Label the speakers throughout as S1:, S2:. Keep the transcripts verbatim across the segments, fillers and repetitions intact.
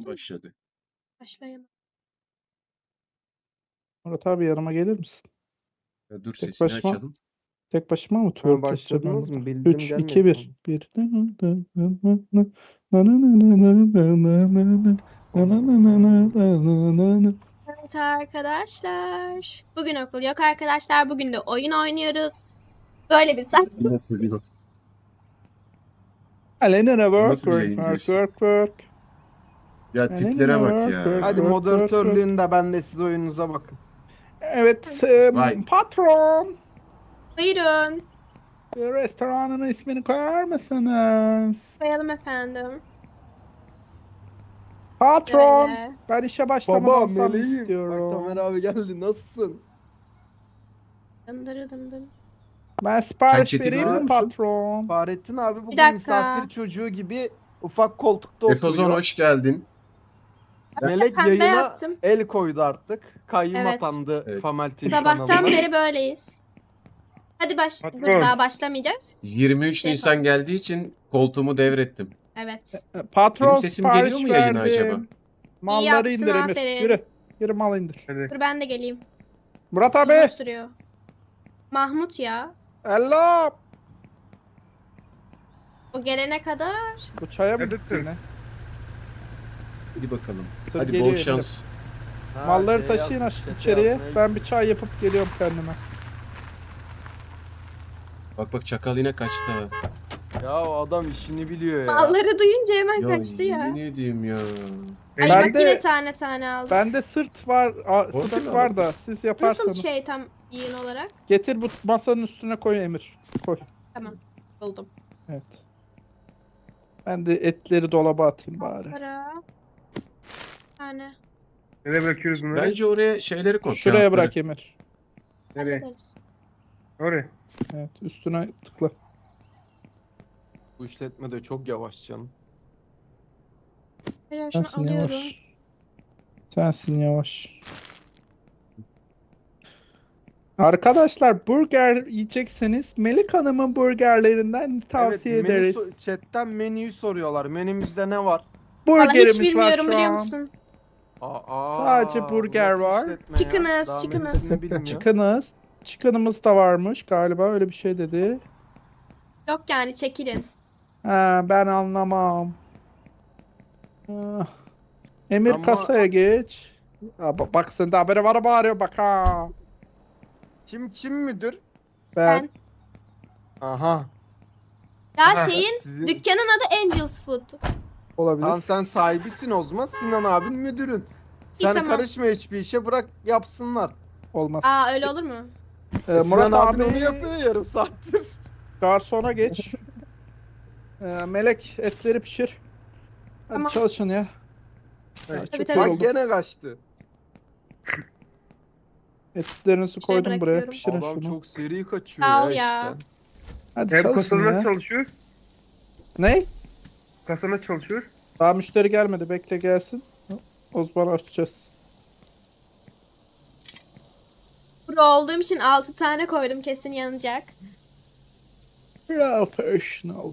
S1: başladı.
S2: Başlayalım.
S3: Murat abi yanıma gelir misin?
S1: Ya dur
S3: Tek
S1: sesini
S3: başıma-
S1: açalım.
S3: Tek başıma mı
S4: Ha,
S3: twerk yapacağım ben
S4: başladınız
S3: burada?
S4: mı? Bildim
S3: üç,
S4: gelmedi
S3: iki, bir.
S4: mi?
S3: bir.
S2: Evet arkadaşlar. Bugün okul yok arkadaşlar. Bugün de oyun oynuyoruz. Böyle bir saçma.
S1: Nasıl bir
S3: Aleyna work,
S1: Nasıl bir
S3: work,
S1: yayın
S3: work,
S1: diyorsun?
S3: work, work.
S1: Ya tiplere bak
S3: Work,
S1: ya.
S3: work.
S4: Hadi
S3: Work,
S4: moderatörlüğünde ben de siz oyununuza bakın.
S3: Evet, e,
S1: Vay.
S3: patron.
S2: Buyurun.
S3: Restoranın ismini koyar mısınız?
S2: Koyalım efendim.
S3: Patron.
S2: Böyle.
S3: Ben işe başlamadan
S4: Baba
S3: alsam
S4: meleğim.
S3: istiyorum.
S4: Bak Tamer abi geldi. Nasılsın?
S2: Dındırı dındır.
S3: Ben sipariş
S1: Sen chat'i
S3: vereyim
S1: görüyor
S3: mi
S1: musun?
S3: patron?
S4: Fahrettin abi bugün
S2: dakika.
S4: misafir çocuğu gibi ufak koltukta
S1: Efozon
S4: oturuyor.
S1: hoş geldin.
S4: Melek
S2: Pembe
S4: yayına
S2: yaptım.
S4: el koydu artık. Kayyum
S2: Evet.
S4: atandı
S1: Evet.
S4: Famel T V
S2: Sabahtan
S4: kanalına.
S2: beri böyleyiz. Hadi baş.
S3: Patron.
S2: Dur daha başlamayacağız.
S1: yirmi üç
S2: Şey
S1: Nisan
S2: yapalım.
S1: geldiği için koltuğumu devrettim.
S2: Evet.
S3: E, Patron
S1: Benim sesim
S3: sipariş
S1: geliyor mu yayına
S3: verdim.
S1: acaba?
S3: Malları
S2: yaptın,
S3: indir Emir.
S2: aferin.
S3: Yürü. Yürü mal indir.
S2: Dur ben de geleyim.
S3: Murat
S2: Uzun
S3: abi.
S2: sürüyor. Mahmut ya.
S3: Hello.
S2: O gelene kadar.
S3: Bu çaya mı gitti yine?
S1: Hadi bakalım.
S3: Tır
S1: Hadi
S3: geliyor
S1: bol
S3: Emir.
S1: şans.
S4: Ha,
S3: Malları
S4: şey
S3: taşıyın
S4: yazmış,
S3: aş-
S4: chat'e
S3: içeriye.
S4: yazmaya
S3: Ben bir çay yapıp geliyorum kendime.
S1: Bak bak çakal yine kaçtı ha.
S4: Ya o adam işini biliyor ya.
S2: Malları duyunca hemen
S1: Ya
S2: kaçtı ya.
S1: yemin ediyorum ya.
S2: Ay
S3: Ben
S2: bak
S3: de-
S2: yine tane tane aldım.
S3: Bende sırt var, a,
S1: Orada
S3: fıtık
S1: mı
S3: var da
S1: aldın?
S3: siz yaparsanız.
S2: Nasıl şey tam yiyin olarak?
S3: Getir bu masanın üstüne koy Emir. Koy.
S2: Tamam. Buldum.
S3: Evet. Ben de etleri dolaba atayım bari.
S2: Para. Bir tane.
S5: Nereye bırakıyoruz bunları?
S1: Bence oraya şeyleri koy.
S3: Şuraya
S1: kağıtları.
S3: bırak Emir.
S5: Nereye?
S2: Hallederiz.
S5: Oraya.
S3: Evet, üstüne tıkla.
S4: Bu işletme de çok yavaş canım.
S2: Hayır, şunu
S3: Sensin
S2: alıyorum.
S3: yavaş. Sensin yavaş. Arkadaşlar burger yiyecekseniz Melik Hanım'ın burgerlerinden tavsiye
S4: evet, menü
S3: ederiz.
S4: so- chatten menüyü soruyorlar. Menümüzde ne var?
S2: Vallahi hiç
S3: Burgerimiz var
S2: bilmiyorum
S3: şu
S2: biliyor
S3: an.
S2: musun?
S4: Aa,
S3: Sadece
S4: bu
S3: burger
S4: nasıl
S3: var.
S4: işletme ya?
S2: Chickens,
S4: Daha
S2: chickens.
S4: menüsünü bilmiyor.
S3: Chicken'ız. Chicken'ımız da varmış galiba öyle bir şey dedi.
S2: Yok yani çekilin.
S3: Ha, ben anlamam. Ah. Emir
S4: Ama-
S3: kasaya geç. Ha, ba- bak sen de haberi var bağırıyor bak ha.
S4: Kim kim müdür?
S3: Ben.
S4: Aha.
S2: Ya
S5: Aha,
S2: şeyin
S4: sizin-
S2: dükkanın adı Angels Food.
S3: Olabilir.
S4: Tamam sen sahibisin o zaman. Sinan abin müdürün. Sen
S2: tamam.
S4: karışma hiçbir işe, bırak yapsınlar.
S3: Olmaz.
S2: Aa öyle olur mu?
S3: Ee,
S4: Sinan
S3: Murat
S4: abin
S3: abi
S4: onu yapıyor yarım saattir.
S3: garsona geç. Ee, Melek etleri pişir. Hadi
S2: Tamam.
S3: çalışın ya.
S5: Evet.
S3: Ya,
S2: Tabii,
S3: çok
S2: tabii.
S4: Bak
S3: yoruldum.
S4: gene kaçtı.
S3: Etlerinizi
S2: Şuraya
S3: koydum buraya.
S2: bırakıyorum.
S3: Pişirin
S4: Adam
S3: şunu.
S4: çok seri kaçıyor
S2: Sağ ol
S4: ya,
S2: ya.
S4: işte.
S3: Hadi
S5: Ev
S3: çalışın
S5: kasada
S3: ya.
S5: nasıl çalışıyor?
S3: Ne?
S5: Kasa nasıl çalışıyor?
S3: Daha müşteri gelmedi. Bekle gelsin. O zaman açacağız.
S2: Pro olduğum için altı tane koydum kesin yanacak.
S3: Professional.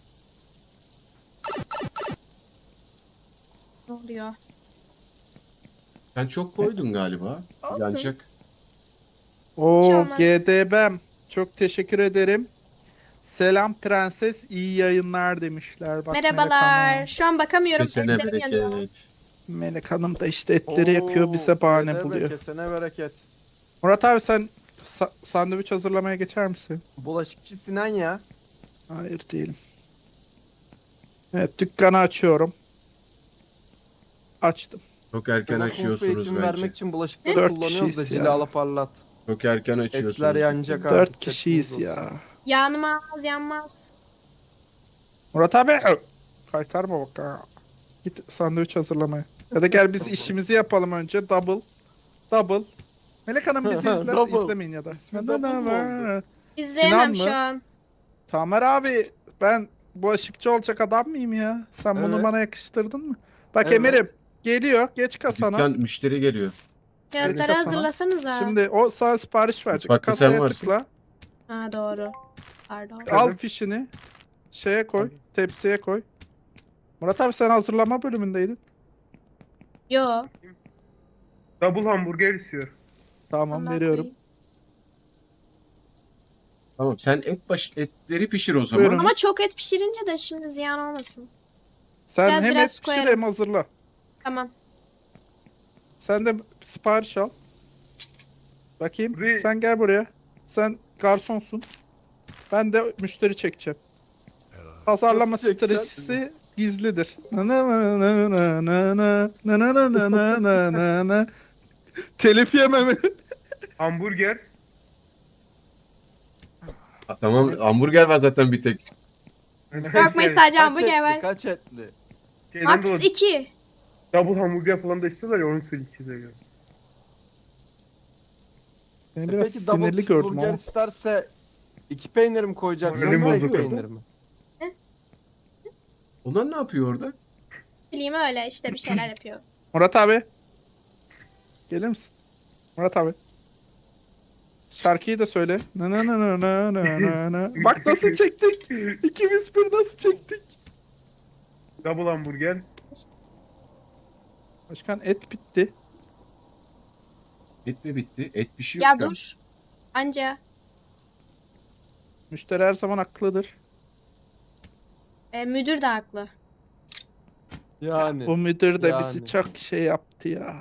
S2: Ne oluyor?
S1: Sen çok koydun galiba.
S2: Olsun.
S1: Yanacak.
S3: Oo
S2: olmaz.
S3: G D B'm. Çok teşekkür ederim. Selam prenses, iyi yayınlar demişler. Bak, Melek
S2: Merhabalar.
S3: Hanım.
S2: Şu an bakamıyorum.
S1: Kesene
S2: Etlerim yanıyor.
S1: bereket.
S3: Melek Hanım da işte etleri yakıyor, bize bahane
S4: Oo,
S3: buluyor.
S4: Kesene bereket.
S3: Murat abi sen sa- sandviç hazırlamaya geçer misin?
S4: Bulaşıkçı Sinan ya.
S3: Hayır değilim. Evet dükkanı açıyorum. Açtım.
S1: Çok erken
S4: Ama sınıf
S1: açıyorsunuz
S4: eğitim
S1: bence.
S4: vermek için bulaşıkları
S3: Dört
S4: kullanıyoruz da
S3: kişiyiz ya.
S4: cilala parlat.
S1: Çok erken açıyorsunuz.
S4: Etler yanacak abi.
S3: Dört
S4: dikkatiniz
S3: kişiyiz
S4: olsun.
S3: ya.
S2: Yanmaz yanmaz.
S3: Murat abi kaytarma bak ha. Git sandviç hazırlamaya. Ya da gel biz işimizi yapalım önce. Double. Double. Melek Hanım bizi izle,
S4: Double.
S3: izlemeyin ya da.
S4: İsmi double mı oldu?
S2: İzleyemem
S3: Sinan mı?
S2: şu an.
S3: Tamer abi ben bulaşıkçı olacak adam mıyım ya? Sen bunu
S4: Evet.
S3: bana yakıştırdın mı? Bak
S4: Evet.
S3: Emir'im geliyor geç kasana.
S1: Dükkan müşteri geliyor.
S2: Kağıtları
S3: kasana.
S2: hazırlasanıza.
S3: Şimdi o sana sipariş verecek.
S1: Mutfakta sen
S3: Kasaya
S1: varsın.
S3: tıkla.
S2: Ha doğru. Pardon.
S3: Al fişini. Şeye koy. Tepsiye koy. Murat abi sen hazırlama bölümündeydin.
S2: Yo.
S5: Double hamburger istiyor.
S3: Tamam
S2: ondan
S3: veriyorum.
S2: koyayım.
S1: Tamam sen et baş etleri pişir o zaman.
S3: Buyurun.
S2: Ama çok et pişirince de şimdi ziyan olmasın.
S3: Sen
S2: Biraz
S3: hem
S2: biraz
S3: et pişir
S2: koyarım.
S3: hem hazırla.
S2: Tamam.
S3: Sen de sipariş al. Bakayım.
S5: Buraya-
S3: Sen gel buraya. Sen garsonsun. Ben de müşteri çekeceğim. Pazarlama
S4: Nasıl çekeceksin?
S3: stratejisi gizlidir. Na na na na na na na na na na na na na na na. Telif yemem.
S5: Hamburger.
S1: Ha, tamam hamburger var zaten bir tek.
S2: Korkmayın sadece
S4: Kaç
S2: hamburger
S4: etli,
S2: var.
S4: kaç etli?
S5: Şeyden
S2: Max
S5: dolayı
S2: iki.
S5: double hamburger falan da istiyorlar ya, onu söyleyeyim.
S3: Beni
S4: E
S3: biraz
S4: peki double
S3: sinirli gördüm
S4: cheeseburger
S3: ama.
S4: isterse iki peynir mi koyacaksın?
S5: Moralim
S4: Yoksa iki
S5: bozuk oldu.
S4: peynir mi?
S1: Onlar ne yapıyor orada?
S2: Bileyim öyle işte bir şeyler yapıyor.
S3: Murat abi. Gelir misin? Murat abi. Şarkıyı da söyle. Na na na na na na na na. Bak nasıl çektik. İkimiz bir nasıl çektik.
S5: Double hamburger.
S3: Başkan et bitti.
S1: Et mi bitti? Et pişiyor
S2: Ya
S1: şu an.
S2: dur. Anca.
S3: Müşteri her zaman haklıdır.
S2: E, müdür de haklı.
S4: Yani.
S3: Bu müdür de
S4: Yani.
S3: bizi çok şey yaptı ya.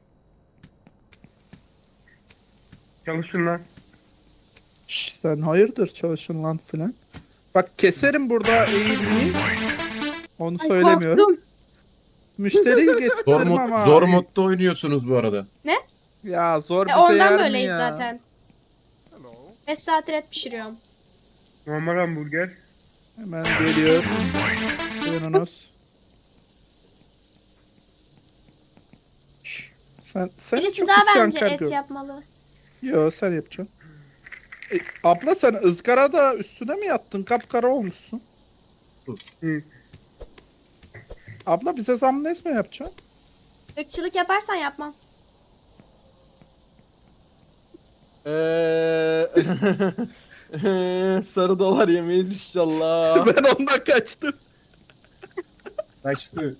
S5: Çalışın lan.
S3: Şş, sen hayırdır çalışın lan filan. Bak keserim burada eğilmeyi. Onu
S2: Ay,
S3: söylemiyorum.
S2: korktum.
S3: Müşteriyi
S1: Zor,
S3: getiririm
S1: mod,
S3: ama.
S1: zor modda oynuyorsunuz bu arada.
S3: Ya zor
S2: E,
S3: bize
S2: ondan
S3: yer mi
S2: böyleyiz
S3: ya?
S2: zaten. beş saattir et pişiriyorum.
S5: Normal hamburger.
S3: Hemen geliyor. Buyurunuz. Şş, Sen, sen
S2: Birisi
S3: çok
S2: daha bence
S3: isyankar
S2: et
S3: gör.
S2: yapmalı.
S3: Yo sen yapacaksın. E, abla sen ızgarada üstüne mi yattın? Kapkara olmuşsun.
S5: Hı.
S3: Abla bize zam ne mi yapacaksın?
S2: Irkçılık yaparsan yapmam.
S4: Eee sarı dolar yemeyiz inşallah.
S3: Ben ondan kaçtım.
S1: Kaçtı.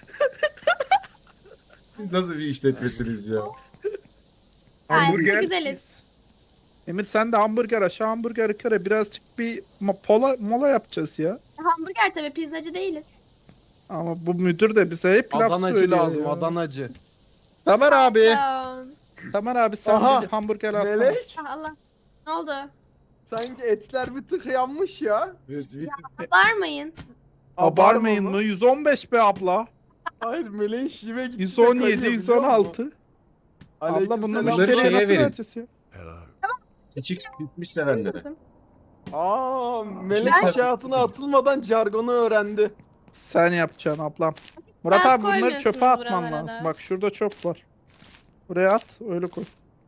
S1: Siz nasıl bir işletmesiniz ya?
S5: Hamburger.
S2: Gayet güzeliz.
S3: Emir sen de hamburger aşağı hamburger yukarı birazcık bir mo- pola, mola yapacağız ya.
S2: Hamburger tabii pizzacı değiliz.
S3: Ama bu müdür de bize hep laf
S4: Adanacı
S3: söylüyor
S4: lazım,
S3: ya.
S4: Adanacı.
S3: Tamer abi.
S2: Ya,
S3: Tamer abi sen
S4: Aha,
S3: bir hamburger alsana.
S4: Melek,
S2: ah Allah. Ne oldu?
S4: sanki etler bir tık yanmış ya.
S2: Abarmayın.
S3: Abarmayın
S4: Abarma
S3: mı? yüz on beş be abla.
S4: Hayır, Meleğin şive gitti.
S3: yüz on yedi, yüz on altı. Abla bunları
S1: Bunları
S3: müşteriye
S1: şeye
S3: nasıl
S1: verin.
S3: vereceğiz ya?
S1: Küçük bitmiş sevenlere.
S4: Aa, Melek
S2: Ben-
S4: iş hayatına atılmadan jargonu öğrendi.
S3: Sen yapacaksın ablam. Murat
S2: Biraz
S3: abi bunları
S2: koymuyorsunuz
S3: çöpe atman
S2: buralara
S3: lazım.
S2: da.
S3: Bak şurada çöp var. Buraya at öyle koy.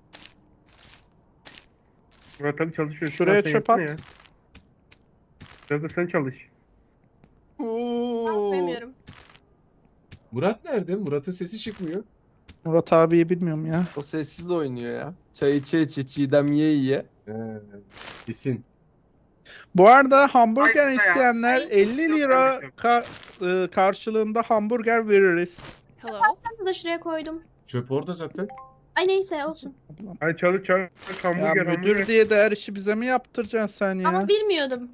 S5: Murat abi çalışıyor.
S3: Şuraya
S5: Sen
S3: çöp
S5: yapsana
S3: at.
S5: ya. Biraz da sen çalış.
S4: Oo.
S2: Koymuyorum.
S1: Murat nerede? Murat'ın sesi çıkmıyor.
S3: Murat abiyi bilmiyorum ya.
S4: O sessiz oynuyor ya. Çay içe içe, çiğdem ye ye.
S1: He, kesin.
S3: Bu arada hamburger
S5: Ay,
S3: isteyenler
S2: ay.
S3: elli lira ka- e, karşılığında hamburger veririz.
S2: Hello. Ben de şuraya koydum.
S1: Çöp orada zaten.
S2: Ay neyse olsun.
S3: Ablam.
S5: Hadi çalış çalış.
S3: Ya
S5: Hamburger
S3: müdür
S5: hamburger.
S3: diye de her işi bize mi yaptıracaksın sen ya?
S2: Ama bilmiyordum.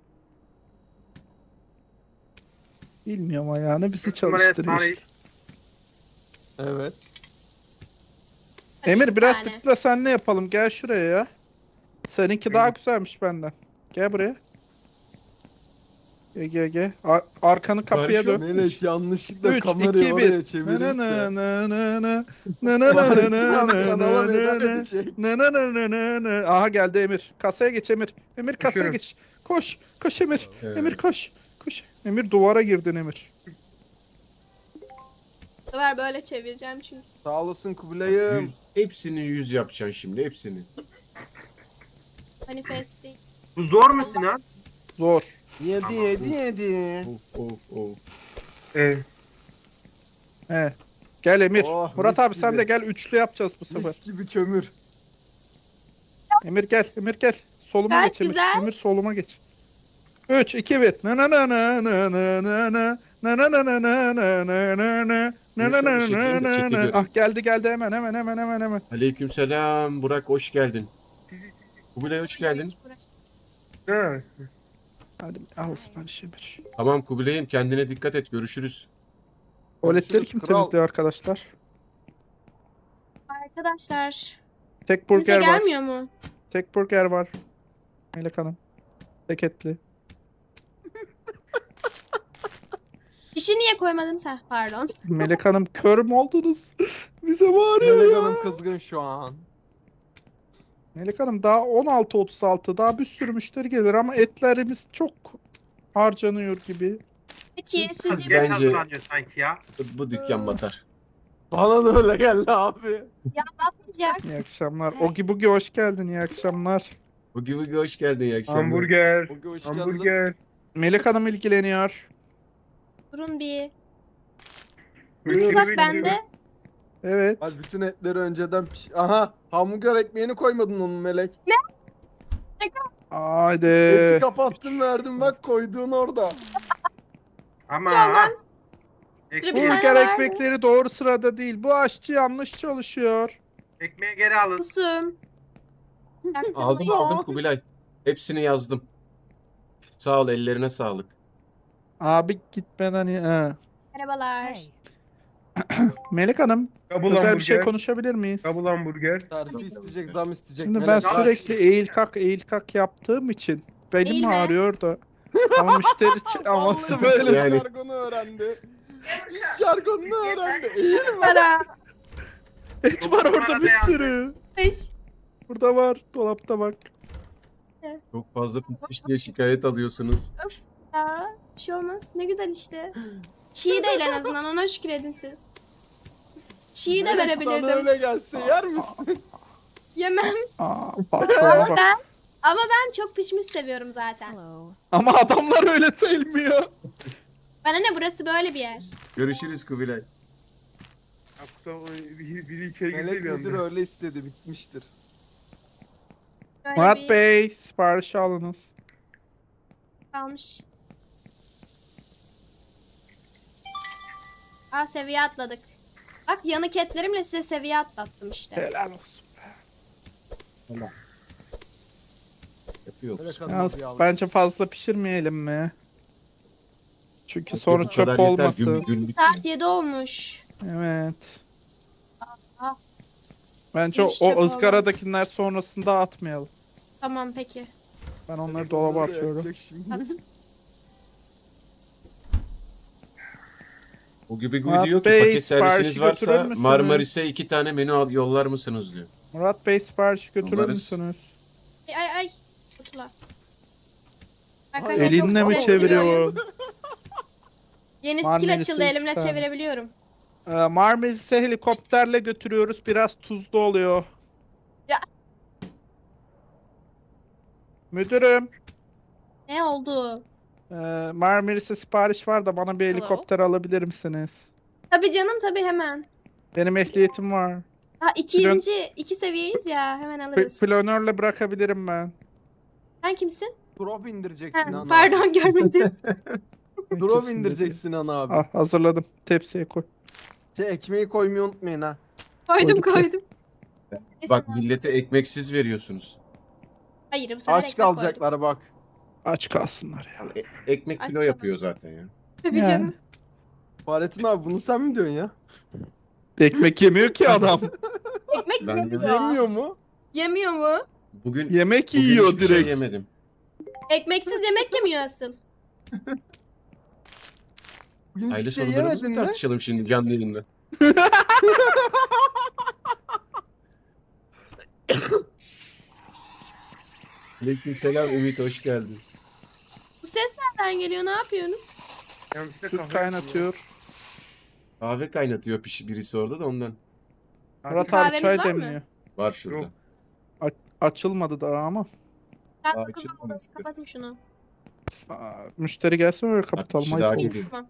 S3: Bilmiyorum ayağını bizi
S5: Numaraya
S3: çalıştırıyor
S5: tarih.
S3: işte.
S4: Evet.
S2: Hadi
S3: Emir
S2: bir
S3: biraz
S2: tane.
S3: tıkla sen ne yapalım gel şuraya ya. Seninki daha güzelmiş benden. Gel buraya. Gel gel gel. Ar- arkanı kapıya
S1: Barış yok.
S3: dön.
S4: Melek yanlışlıkla
S3: üç,
S4: kamerayı
S3: iki,
S4: oraya
S3: bir. Na
S4: çevirirse.
S3: na na na na. Na na na na na na
S4: Kanala
S3: na
S4: veda
S3: na.
S4: edecek.
S3: Na na na na na na. Aha geldi Emir. Kasaya geç Emir. Emir kasaya
S5: Koşuyorum.
S3: geç. Koş. Koş Emir.
S1: Evet.
S3: Emir koş. Koş. Emir duvara girdin Emir.
S2: Bu sefer böyle çevireceğim çünkü.
S4: Sağ olasın Kubilay'ım.
S1: Yüz, hepsini yüz yapacaksın şimdi. Hepsini.
S2: Manifest değil.
S5: Bu zor mu Sinan?
S3: Zor.
S4: Yedi yedi yedi.
S1: Of of of.
S5: Ee,
S3: He. Gel Emir.
S4: Oh,
S3: Murat
S4: mis
S3: abi sen
S4: gibi.
S3: de gel üçlü yapacağız bu sefer.
S4: Mis gibi kömür.
S3: Emir gel. Emir gel. Soluma
S2: Gayet
S3: geç Emir.
S2: güzel.
S3: Emir soluma geç. üç, iki, bir. Na na na na na na na na. Na na na na na na na na na na na na
S1: Şekilde,
S3: na na
S1: şekilde.
S3: na. Ah geldi geldi hemen hemen hemen hemen hemen.
S1: Aleykümselam Burak hoş geldin. Kubilay hoş geldin.
S5: Ha.
S3: Hadi al siparişi bir.
S1: Tamam Kubilay'ım kendine dikkat et görüşürüz.
S3: Tuvaletleri kim
S4: Kral.
S3: temizliyor arkadaşlar?
S2: Arkadaşlar.
S3: Tek
S2: Kimse
S3: burger var.
S2: gelmiyor mu?
S3: Tek burger var. Melek Hanım. Tek etli.
S2: Fişi niye koymadın sen? Pardon.
S3: Melek Hanım kör mü oldunuz? Bize bağırıyor
S4: Melek
S3: ya.
S4: Hanım kızgın şu an.
S3: Melek Hanım daha on altı otuz altı daha bir sürü müşteri gelir ama etlerimiz çok harcanıyor gibi.
S2: Peki
S1: Siz-
S2: sizce
S1: siz-
S5: Geç
S1: Bence-
S5: hazırlanıyor sanki ya.
S1: Bu, bu dükkan batar.
S4: Bana da öyle geldi abi.
S2: batmayacak?
S3: İyi akşamlar. Ogi Bugi hoş geldin. İyi akşamlar.
S1: Bugi Bugi hoş geldin iyi akşamlar.
S5: Hamburger.
S4: Bugün hoş geldin.
S5: Hamburger.
S3: Melek Hanım ilgileniyor.
S2: Durun bir.
S5: Buyurun,
S2: Bak
S5: buyurun,
S2: bende.
S3: Evet.
S4: Hadi bütün etleri önceden piş... Aha hamburger ekmeğini koymadın onun Melek.
S3: Haydi.
S4: Eti kapattın verdin bak koyduğun orada.
S5: Ama
S2: Çalmaz.
S5: ekmeği,
S2: Bir tane
S3: Burger
S2: vardı.
S3: ekmekleri doğru sırada değil. Bu aşçı yanlış çalışıyor.
S5: ekmeği geri alın.
S2: Musun?
S1: Aldım aldım Kubilay. Hepsini yazdım. Sağ ol ellerine sağlık.
S3: Abi gitmeden ya.
S2: Merhabalar.
S3: Melek Hanım,
S5: Double
S3: özel
S5: hamburger.
S3: bir şey konuşabilir miyiz?
S5: Double hamburger.
S4: Terfi isteyecek zam isteyecek.
S3: Şimdi ben
S4: Melek.
S3: sürekli eğil kalk eğil kalk yaptığım için belim
S2: Eğilme.
S3: ağrıyor da. Ama müşteri ç- aması
S4: Vallahi
S3: böyle.
S1: Yani-
S4: Jargonu öğrendi. Jargonunu öğrendi. İyi mi?
S2: Para.
S3: Et var orada bir sürü.
S2: Beş.
S3: Burada var. Dolapta bak.
S1: Çok fazla pişmiş diye şikayet alıyorsunuz.
S2: Ya, bir şey olmaz. Ne güzel işte. Çiğ değil en azından. Ona şükür edin siz. Çiğ de
S4: Melek, sana
S2: verebilirdim.
S4: öyle gelse yer misin?
S2: Yemem.
S3: Aa, patrona
S2: Ama
S3: bak.
S2: ben, ama ben çok pişmiş seviyorum zaten.
S3: Ama adamlar öyle sevmiyor.
S2: Bana ne, burası böyle bir yer.
S1: Görüşürüz Kubilay.
S5: Ya kusura biri, biri içeri girdi
S4: Melek
S5: bir
S4: müdür
S5: anda.
S4: öyle istedi bitmiştir.
S2: Böyle
S3: Murat
S2: bir
S3: Bey, sipariş alınız.
S2: kalmış. Aa, seviye atladık. Bak yanık etlerimle size seviye atlattım işte.
S3: Helal olsun.
S1: Yapıyoruz.
S4: Melek
S3: Yalnız
S4: Hanım bir al.
S3: bence fazla pişirmeyelim mi? Çünkü
S1: Bu
S3: sonra
S1: kadar
S3: çöp
S1: yeter,
S3: olmasın.
S1: gün- günlük.
S2: Saat yedi olmuş.
S3: Evet.
S2: Aa.
S3: Bence o,
S2: Hiç çöp
S3: o ızgaradakiler sonrasında atmayalım.
S2: Tamam peki.
S3: Ben onları
S4: Melek
S3: dolaba
S4: Hanım da
S3: atıyorum.
S4: yakacak şimdi.
S2: At.
S1: O gibi
S3: Murat
S1: diyor ki
S3: Bey,
S1: paket servisiniz
S3: siparişi götürür
S1: varsa
S3: müsünüz?
S1: Marmaris'e iki tane menü al- yollar mısınız diyor.
S3: Murat Bey sipariş götürür
S1: Alırız.
S3: müsünüz?
S2: Ay ay ay. Kutular.
S4: Ay,
S2: Arkadaşlar, çok
S3: Elinle mi
S2: stresli bir oyun.
S3: çeviriyor?
S2: Yeni skill
S3: Marmaris'e
S2: açıldı,
S3: iki
S2: elimle
S3: tane.
S2: çevirebiliyorum.
S3: Ee, Marmaris'e helikopterle götürüyoruz. Biraz tuzlu oluyor.
S2: Ya.
S3: Müdürüm,
S2: Ne oldu?
S3: e, Marmaris'e sipariş var da bana bir
S2: Hello?
S3: helikopter alabilir misiniz?
S2: Tabii canım, tabii hemen.
S3: Benim ehliyetim var.
S2: Ha, ikinci, iki seviyeyiz ya, hemen
S3: P-
S2: alırız.
S3: planörle bırakabilirim ben.
S2: Sen kimsin?
S4: Drop indireceksin
S2: Ha,
S4: ana.
S2: pardon görmedim.
S4: Drop
S3: Kimsin
S4: indireceksin ana abi.
S3: dedi. Ah, hazırladım. Tepsiye koy.
S4: Şey, ekmeği koymayı unutmayın ha.
S2: koydum
S3: Koyduk.
S2: koydum.
S1: Bak
S2: Kesin.
S1: millete ekmeksiz veriyorsunuz.
S2: Hayır, bu sefer
S4: Aç
S2: ekmek koydum.
S4: kalacaklar bak.
S3: Aç kalsınlar ya.
S1: E- ekmek kilo
S2: Ay,
S1: yapıyor zaten ya.
S2: Tabii
S3: Yani.
S2: canım.
S4: Fahrettin abi bunu sen mi diyorsun ya?
S3: Ekmek yemiyor ki adam.
S2: Ekmek
S1: Ben
S2: yemiyor.
S4: Yemiyor mu?
S2: Yemiyor mu?
S1: Bugün,
S3: Yemek
S1: bugün
S3: yiyor
S1: hiçbir şey
S3: direkt.
S1: yemedim.
S2: Ekmeksiz yemek yemiyor asıl.
S4: Bugün
S1: Aile
S4: hiçbir şey
S1: sorunlarımızı
S4: yemedin
S1: mı
S4: mi?
S1: tartışalım şimdi canlı yayında? Aleykümselam Ümit hoş geldin.
S2: Bu ses nereden geliyor? Ne yapıyorsunuz?
S5: Yanlışlıkla
S3: Süt
S5: kahve
S3: kaynatıyor.
S1: Kahve kaynatıyor piş birisi orada da ondan.
S3: Murat abi
S2: Kahveniz
S3: çay
S2: var mı?
S3: demliyor.
S1: Var şurada.
S5: Yok.
S3: Açılmadı daha ama.
S2: Ben
S1: Aa,
S2: kapatın,
S1: açılmamış.
S2: kapatın şunu.
S3: Aa, müşteri gelsin öyle kapatalım.
S1: kişi
S3: ayıp
S1: daha
S3: olur.
S1: geliyor.
S2: Tamam.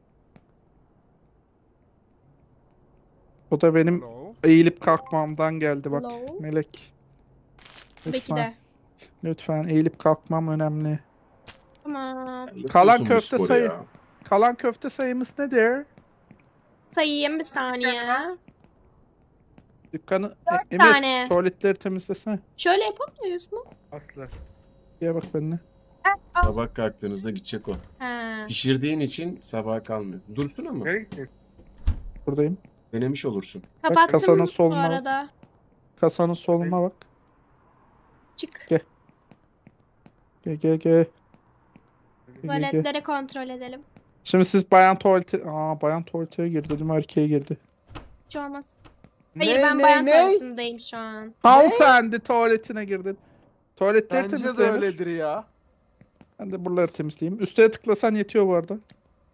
S3: O da benim
S4: Hello.
S3: eğilip kalkmamdan geldi bak.
S2: Hello.
S3: Melek.
S2: Belki
S3: Lütfen.
S2: de.
S3: Lütfen eğilip kalkmam önemli.
S2: Tamam.
S1: Yapıyorsun
S3: Kalan
S1: bu
S3: köfte
S1: sporu
S3: sayı-
S1: ya.
S3: Kalan köfte sayımız nedir?
S2: Sayayım bir saniye.
S3: Dükkanı
S2: Dört
S3: E- Emir
S2: tane.
S3: tuvaletleri temizlesene.
S2: Şöyle yapamıyoruz mu?
S5: Asla.
S3: Diye bak benimle.
S1: Sabah kalktığınızda gidecek o.
S2: Ha.
S1: Pişirdiğin için sabaha kalmıyor. Dursun ama.
S5: Nereye gittin?
S3: Buradayım.
S1: Denemiş olursun.
S2: Kapattım
S3: kasanın
S2: bu
S3: soluna bak.
S2: arada.
S3: Kasanın soluna bak.
S2: Çık.
S3: Gel gel gel. Gel, gel, gel.
S2: Tuvaletleri kontrol edelim.
S3: Şimdi siz bayan tuvaleti... Aa bayan tuvaletine girdi. Dedim erkeğe girdi.
S2: Hiç olmaz. Hayır
S4: Ne,
S2: ben
S4: ne,
S2: bayan
S4: ne?
S2: tuvaletindeyim şu an.
S3: Hanımefendi tuvaletine girdin. Tuvaletleri
S4: Bence de
S3: temizle Emir.
S4: öyledir ya.
S3: Ben de buraları temizleyeyim. Üstüne tıklasan yetiyor bu arada.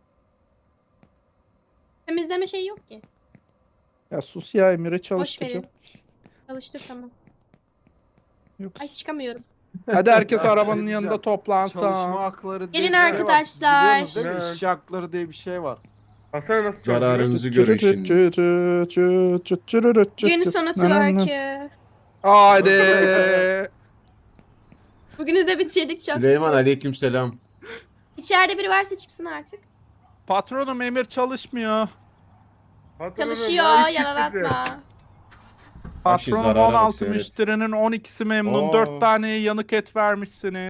S2: Temizleme şeyi yok ki.
S3: Ya sus ya Emir'e
S2: Boş
S3: çalıştıracağım.
S2: verin. Çalıştır tamam.
S3: Yok.
S2: Ay çıkamıyorum.
S3: Hadi herkes
S4: Ya,
S3: arabanın
S4: şey
S3: yanında
S4: diyeceğim.
S3: toplansa.
S4: Çalışma hakları diye
S2: Gelin
S4: bir şey var.
S2: arkadaşlar.
S4: Biliyorsunuz değil mi?
S5: Evet.
S4: İşçi hakları diye bir şey var.
S5: Hasan nasıl
S1: Zararınızı görün şimdi.
S2: Gün sonu twerk'ü.
S3: Haydi.
S2: Bugünü de bitirdik çok.
S1: Süleyman aleykümselam.
S2: İçeride biri varsa çıksın artık.
S3: Patronum Emir çalışmıyor.
S2: Çalışıyor yalan atma.
S1: Bak şimdi
S3: Patronum
S1: zarara bak,
S3: on altı
S1: seyret.
S3: müşterinin on ikisi memnun.
S1: Oo.
S3: dört taneye yanık et vermişsiniz.